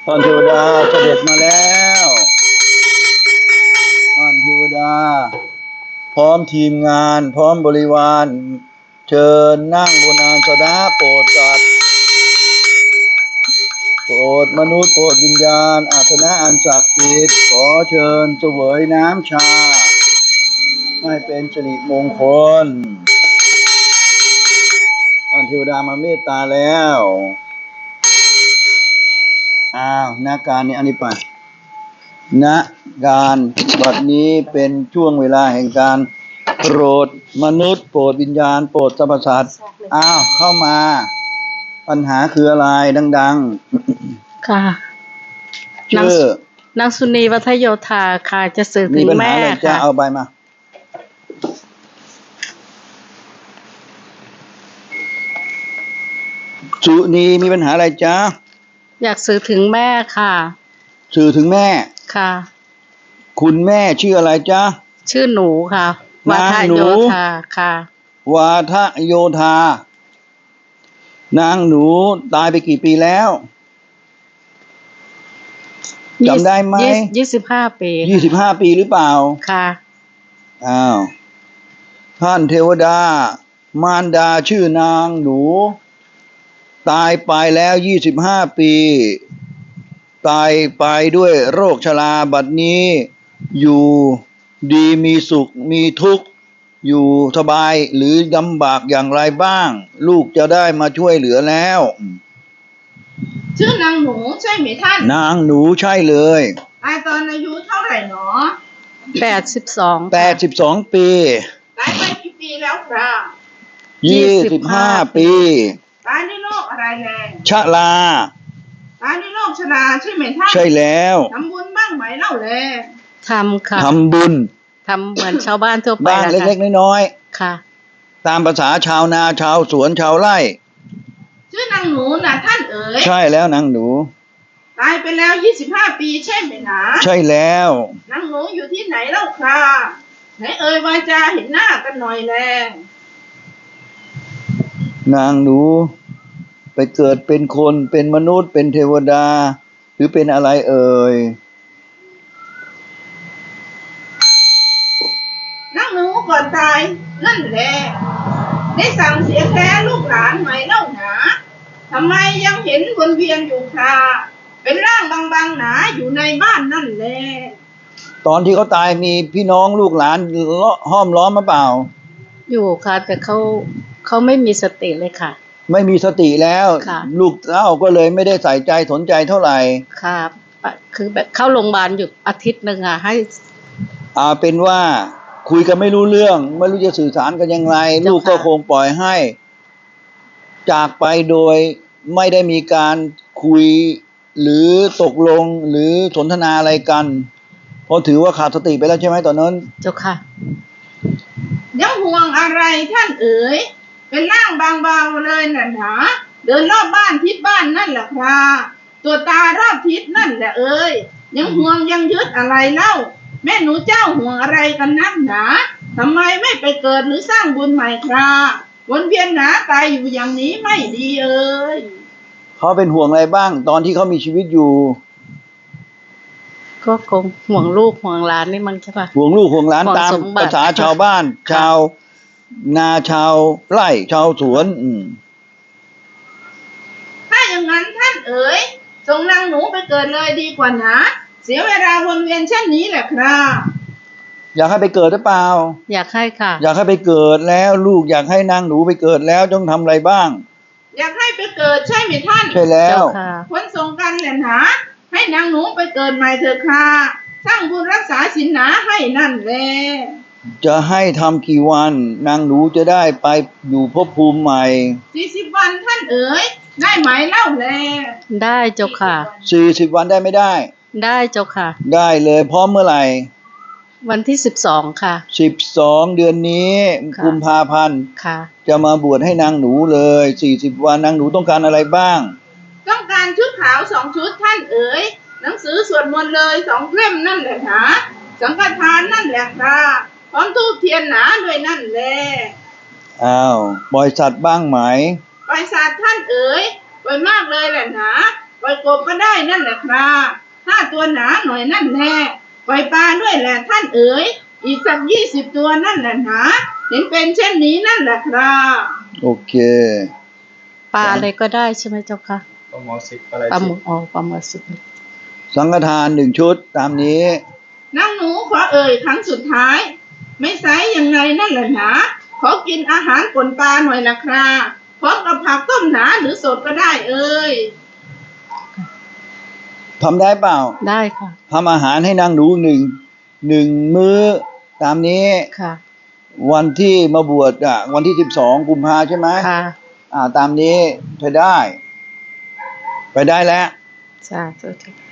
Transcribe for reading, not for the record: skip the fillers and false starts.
ท่านเทวดาเสด็จมาแล้วท่านเทวดาพร้อมทีมงานพร้อมบริวารเชิญนั่งบนอาสนะโปรดสัตว์โปรดมนุษย์โปรดวิญญาณอาสนะอันศักดิ์สิทธิ์ขอเชิญเสวยน้ำชาให้เป็นสิริมงคลท่านเทวดามาเมตตาแล้วณการนี้อันนี้ไปณการบัดนี้เป็นช่วงเวลาแห่งการโปรดมนุษย์โปรดวิญญาณโปรดสรรพสัตว์เข้ามาปัญหาคืออะไรดังๆค่ะชื่อนางสุนีวัฒโยธาค่ะจะสื่อถึงแม่ค่ะจะเอาใบมาสุนีมีปัญหาอะไรจ๊ะอยากสื่อถึงแม่ค่ะสื่อถึงแม่ค่ะคุณแม่ชื่ออะไรจ๊ะชื่อหนูค่ะวาทะโยธาค่ะวาทะโยธานางหนูตายไปกี่ปีแล้วจำได้ไหม 25 ปี 25 ปีหรือเปล่าค่ะท่านเทวดามารดาชื่อนางหนูตายไปแล้ว25 ปีตายไปด้วยโรคชราบัดนี้อยู่ดีมีสุขมีทุกข์อยู่สบายหรือลำบากอย่างไรบ้างลูกจะได้มาช่วยเหลือแล้วชื่อนางหนูใช่ไหมท่านนางหนูใช่เลยตายตอนอายุเท่าไหร่หนอ 82 ปีตายไปกี่ปีแล้วครับ 25 ปีตายด้วยโรคอะไรแรงชราตายด้วยโรคชราใช่ไหมท่านใช่แล้วทำบุญบ้างไหมเล่าแลทำค่ะทำบุญทำเหมือนชาวบ้านทั่วไปบ้านเล็กๆน้อยๆค่ะตามภาษาชาวนาชาวสวนชาวไร่ชื่อนางหนูนะท่านเอ๋ยใช่แล้วนางหนูตายไปแล้ว25 ปีใช่ไหมนะใช่แล้วนางหนูอยู่ที่ไหนเล่าค่ะไหนเอ่ยวาจาเห็นหน้ากันหน่อยแลนางหนูไปเกิดเป็นคนเป็นมนุษย์เป็นเทวดาหรือเป็นอะไรเอ่ยนางหนูก่อนตายนั่นแหละได้สั่งเสียแท้ลูกหลานไหมเล่าหนาทำไมยังเห็นวนเวียนอยู่ค่ะเป็นร่างบางๆหนาอยู่ในบ้านนั่นแหละตอนที่เขาตายมีพี่น้องลูกหลานห้อมล้อมมาเปล่าอยู่ค่ะแต่เขาไม่มีสติเลยค่ะไม่มีสติแล้วลูกเต้าก็เลยไม่ได้ใส่ใจสนใจเท่าไหร่ค่ะคือแบบเข้าโรงพยาบาลอยู่อาทิตย์นึงให้เป็นว่าคุยกันไม่รู้เรื่องไม่รู้จะสื่อสารกันยังไงลูกก็คงปล่อยให้จากไปโดยไม่ได้มีการคุยหรือตกลงหรือสนทนาอะไรกันเพราะถือว่าขาดสติไปแล้วใช่ไหมตอนนั้นเจ้าค่ะยังห่วงอะไรท่านเอ๋ยเป็นร่างบางเบาเลยน่ะหนาเดินรอบบ้านทิศบ้านนั่นแหละครับตัวตารอบทิศนั่นแหละเอ๋ยยังห่วงยังยึดอะไรเล่าแม่หนูเจ้าห่วงอะไรกันนักหนาทำไมไม่ไปเกิดหรือสร้างบุญใหม่ครับวนเวียนหนาตายอยู่อย่างนี้ไม่ดีเอ๋ยเขาเป็นห่วงอะไรบ้างตอนที่เขามีชีวิตอยู่ก็คงห่วงลูกห่วงหลานนี่มั้งใช่ปะห่วงลูกห่วงหลานตามภาษาชาวบ้านชาวนาชาวไร่ชาวสวนถ้าอย่างนั้นท่านเอ๋ยส่งนางหนูไปเกิดเลยดีกว่านะเสียเวลาวนเวียนเช่นนี้แหละครับอยากให้ไปเกิดหรือเปล่าอยากให้ค่ะอยากให้ไปเกิดแล้วลูกอยากให้นางหนูไปเกิดแล้วต้องทำอะไรบ้างอยากให้ไปเกิดใช่ไหมท่านใช่แล้วคนส่งกันแหละนะให้นางหนูไปเกิดใหม่เถอะค่ะสร้างบุญรักษาศีลหนาให้นั่นแหละจะให้ทำกี่วันนางหนูจะได้ไปอยู่ภพภูมิใหม่ 40 วันท่านเอ๋ยได้ไหมเล่าแลได้เจ้าค่ะ 40 วันได้ไม่ได้ได้เจ้าค่ะได้เลยพร้อมเมื่อไหร่วันที่12ค่ะ 12เดือนนี้กุมภาพันธ์ค่ะจะมาบวชให้นางหนูเลย40 วันนางหนูต้องการอะไรบ้างต้องการชุดขาว2 ชุดท่านเอ๋ยหนังสือสวดมนต์เลย2 เล่มนั่นแหละนะสังฆทานนั่นแหละค่ะพร้อมธูปเทียนหนาด้วยนั่นแหละปล่อยสัตว์บ้างไหมปล่อยสัตว์ท่านเอ๋ยปล่อยมากเลยแหละนะปล่อยกบก็ได้นั่นแหละครับ5 ตัวหนาหน่อยนั่นแหละปล่อยปลาด้วยแหละท่านเอ๋ยอีกสัก20 ตัวนั่นแหละหนาเห็นเป็นเช่นนี้นั่นแหละครับโอเคปลาอะไรก็ได้ใช่ไหมเจ้าค่ะปลาหมอสิบอะไรปลาหสิมึบกปลาหมึกสิบสังฆทาน1 ชุดตามนี้นางหนูขอเอ่ยครั้งสุดท้าย ไม่ไซยังไงนั่นแหละหนาขอกินอาหารป่นปลาหน่อยละครับพร้อมกับผักต้มหนาหรือสดก็ได้เอ่ยทำได้เปล่าได้ค่ะทำอาหารให้นางหนูหนึ่งมื้อตามนี้ค่ะวันที่มาบวชวันที่12 กุมภาใช่ไหมค่ะตามนี้เธอได้ ไปได้แล้วสาธุ